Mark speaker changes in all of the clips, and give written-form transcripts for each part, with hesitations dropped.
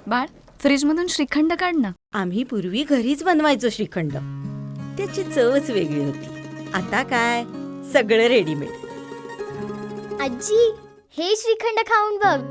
Speaker 1: बाळ, फ्रीजमधून श्रीखंड काढ ना.
Speaker 2: आम्ही पूर्वी घरीच बनवायचो श्रीखंड. त्याची चवच वेगळी होती. आता काय सगळं रेडीमेड.
Speaker 3: आजी, हे श्रीखंड खाऊन बघ.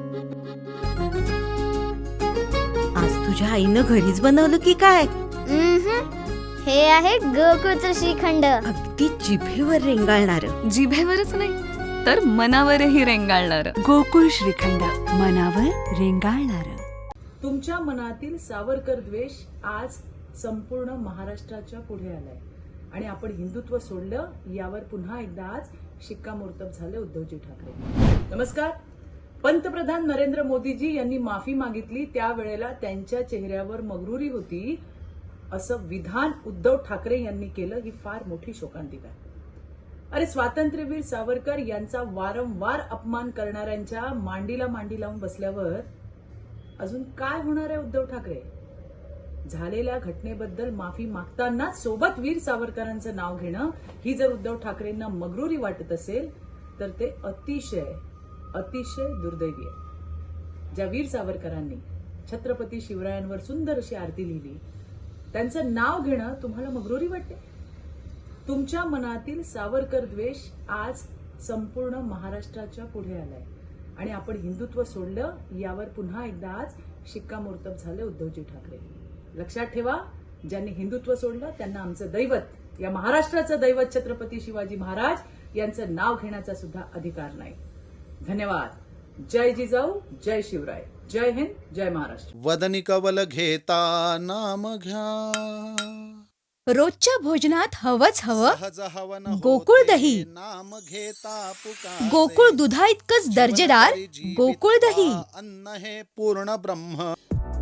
Speaker 2: आज तुझ्या आईनं घरीच बनवलं की काय?
Speaker 3: हे आहे गोकुळचं श्रीखंड.
Speaker 2: अगदी जिभेवर रेंगाळणार.
Speaker 1: जिभेवरच नाही तर मनावरही रेंगाळणार.
Speaker 4: गोकुळ श्रीखंड, मनावर रेंगाळणार.
Speaker 5: तुमच्या मनातील सावरकर द्वेष आज संपूर्ण महाराष्ट्राच्या पुढे आलाय आणि आपण हिंदुत्व सोडलं यावर पुन्हा एकदा आज शिक्कामोर्तब झाले उद्धवजी ठाकरे. नमस्कार. पंतप्रधान नरेंद्र मोदीजी यांनी माफी मागितली, त्यावेळेला त्यांच्या चेहऱ्यावर मगरुरी होती असं विधान उद्धव ठाकरे यांनी केलं, ही फार मोठी शोकांतिका. अरे, स्वातंत्र्यवीर सावरकर यांचा वारंवार अपमान करणाऱ्यांच्या मांडीला मांडी लावून बसल्यावर अजून काय होणार आहे उद्धव ठाकरे? झालेल्या घटनेबद्दल माफी मागताना सोबत वीर सावरकरांचं नाव घेणं ही जर उद्धव ठाकरेंना मगरुरी वाटत असेल तर ते अतिशय अतिशय दुर्दैवी आहे. ज्या वीर सावरकरांनी छत्रपती शिवरायांवर सुंदर अशी आरती लिहिली, त्यांचं नाव घेणं तुम्हाला मगरुरी वाटते? तुमच्या मनातील सावरकर द्वेष आज संपूर्ण महाराष्ट्राच्या पुढे आलाय आणि आपण हिंदुत्व सोडलं यावर पुन्हा एकदा आज शिक्कामोर्तब झाले उद्धवजी ठाकरे. लक्षात ठेवा, ज्यांनी हिंदुत्व सोडलं त्यांना आमचं दैवत, या महाराष्ट्राचं दैवत छत्रपती शिवाजी महाराज यांचं नाव घेण्याचा सुद्धा अधिकार नाही. धन्यवाद. जय जिजाऊ, जय शिवराय, जय हिंद, जय महाराष्ट्र.
Speaker 6: वदनी कवल घेता नाम घ्या,
Speaker 7: रोजच्या भोजनात हवंच हवं
Speaker 6: सहज हवन
Speaker 7: गोकुळ दही.
Speaker 6: नाम घेता पुकारे,
Speaker 7: गोकुळ दुधा इतकंच दर्जेदार गोकुळ दही.
Speaker 6: अन्न हे पूर्ण ब्रह्म.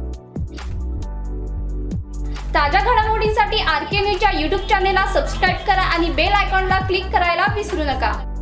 Speaker 8: ताज्या घडामोडींसाठी आरके न्यूजच्या यूट्यूब चॅनेलला सबस्क्राईब करा आणि बेल आयकॉनला क्लिक करायला विसरू नका.